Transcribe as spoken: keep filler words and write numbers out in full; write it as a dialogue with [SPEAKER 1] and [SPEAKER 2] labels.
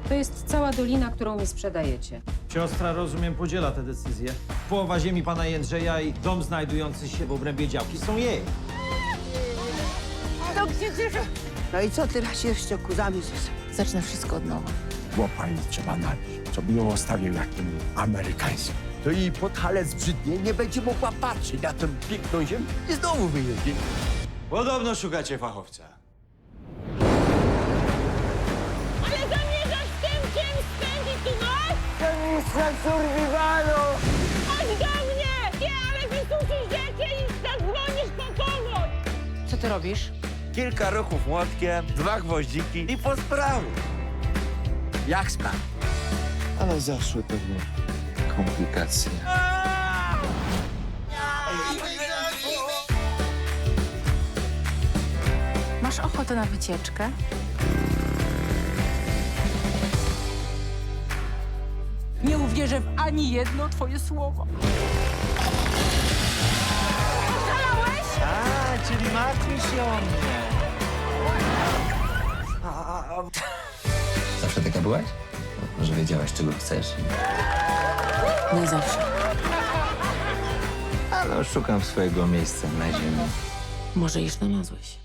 [SPEAKER 1] To jest cała dolina, którą mi sprzedajecie.
[SPEAKER 2] Siostra, rozumiem, podziela tę decyzję. Połowa ziemi pana Jędrzeja i dom znajdujący się w obrębie działki są jej.
[SPEAKER 3] No i co teraz jeszcze ku zamysł?
[SPEAKER 1] Zacznę wszystko od nowa.
[SPEAKER 4] Łopanie trzeba nabić, żeby ją ostawił jakim amerykańskim.
[SPEAKER 5] To jej podhalec brzydnie, nie będzie mogła patrzeć na tę piękną ziemię i znowu wyjedzie.
[SPEAKER 6] Podobno szukacie fachowca.
[SPEAKER 7] Ale zamierzasz w tym czymś spędzić tu noc? Chodź do mnie! Nie, ale wysuszysz rzeczy i zadzwonisz po pomoc!
[SPEAKER 1] Co ty robisz?
[SPEAKER 6] Kilka ruchów młotkiem, dwa gwoździki i po sprawie.
[SPEAKER 5] Jak sprawa?
[SPEAKER 4] Ale zaszły pewnie komplikacje.
[SPEAKER 1] Masz ochotę na wycieczkę? Nie uwierzę w ani jedno twoje słowo.
[SPEAKER 6] A, czyli martwisz się o mnie.
[SPEAKER 8] Zawsze taka byłaś? Że wiedziałaś, czego chcesz?
[SPEAKER 1] Nie zawsze.
[SPEAKER 8] Ale szukam swojego miejsca na ziemi.
[SPEAKER 1] Może już znalazłeś.